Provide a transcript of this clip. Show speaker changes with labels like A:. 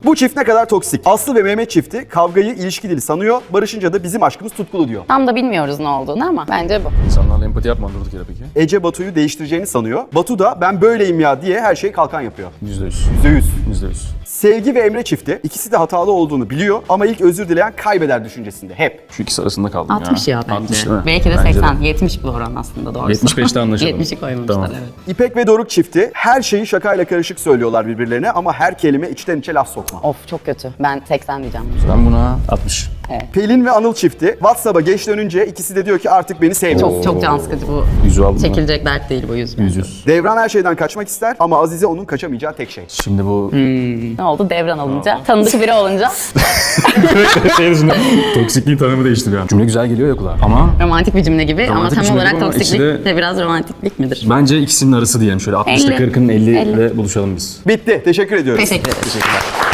A: Bu çift ne kadar toksik? Aslı ve Mehmet çifti kavgayı ilişki dili sanıyor. Barışınca da bizim aşkımız tutkulu diyor.
B: Tam da bilmiyoruz ne olduğunu ama bence bu.
C: İnsanlarla empati yapmadı durduk yere peki.
A: Ece Batu'yu değiştireceğini sanıyor. Batu da ben böyleyim ya diye her şeyi kalkan yapıyor.
C: %100.
A: %100.
C: %100.
A: Sevgi ve Emre çifti ikisi de hatalı olduğunu biliyor ama ilk özür dileyen kaybeder düşüncesinde hep.
C: Şu ikisi arasında kaldım
B: 60 ya bence.
C: 60 değil mi?
B: Belki de
C: Bence
B: 80, 70 bu oran aslında doğrusu.
C: 75'te anlaşalım.
B: 70'i koymuşlar
C: Tamam.
B: evet.
A: İpek ve Doruk çifti her şeyi şakayla karışık söylüyorlar birbirlerine ama her kelime içten içe laf sokma.
B: Of çok kötü. Ben 80 diyeceğim.
C: Ben buna 60.
A: Pelin ve Anıl çifti WhatsApp'a geç dönünce ikisi de diyor ki artık beni sevmiyor.
B: Çok can sıkıcı bu.
C: Yüzü aldım mı?
B: Çekilecek dert değil bu yüz.
C: 100.
A: Devran her şeyden kaçmak ister ama Azize onun kaçamayacağı tek şey.
C: Şimdi bu
B: Ne oldu? Devran alınca, tanıdık biri olunca
C: şey dışında toksikliğin tanımı değişti bir an. Cümle güzel geliyor ya kulağa. Ama
B: romantik bir cümle gibi
C: Romantik
B: ama
C: bir
B: tam
C: cümle
B: olarak
C: gibi ama
B: toksiklik
C: içinde-
B: de biraz romantiklik midir?
C: bence ikisinin arası diyelim. Şöyle 60'ta
B: 50.
C: 40'ın 50'de buluşalım biz.
A: Bitti. Teşekkür ediyoruz.
B: Teşekkür ederim.
C: Teşekkürler.